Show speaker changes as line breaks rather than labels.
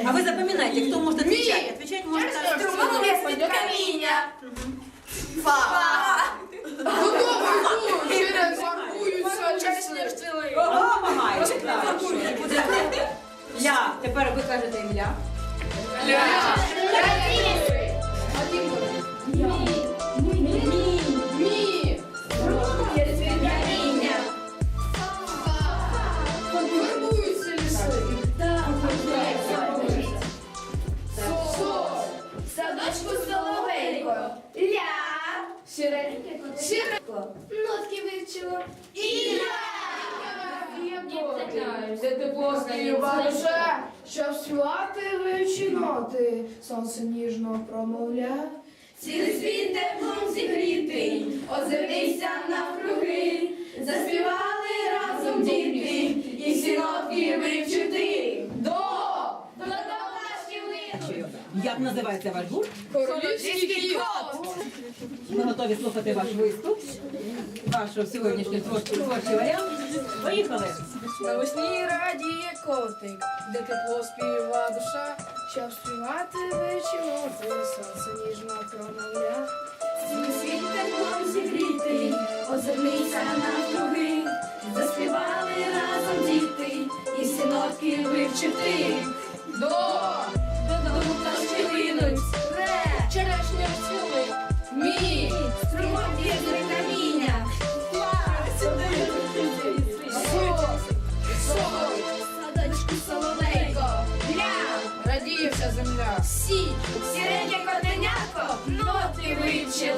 А вы запоминайте, кто может отвечать. Отвечать может
Струмове з-під каміння. Фа.
Додому йду, через фарбуються ліси.
Помагайте. Ля. Тепер ви кажете ім'я.
Фарбуються ліси.
Садочку соловейко. Ля. Сіренько. Нотки вивчила. І ля.
Де тепло співа душа, щоб співати вивчі ноти, сонце ніжно промовля.
Цілий світ теплом зігрітий, озирнися навкруги, заспівали разом діти, і всі нотки вивчити. До пташки линуть.
Як називається ваш гурт?
Королівський кот.
Ми готові слухати ваш виступ, вашу сьогоднішню творчий варіант. Поїхали!
Навесні радіє котик, де тепло співа душа, щоб співати вивчі ноти, сонце ніжно промовля.
Цілий світ теплом зігрітий, озирнися навкруги, заспівали разом діти, і всі нотки вивчити. До пташки линуть. Ре.
Черешня цілий.
Мі. Струмок б'є з каміння. Садочку соловейко. Ля.
Радіє вся земля.
Сі. Сіреньке котенятко. Ноти вивчила.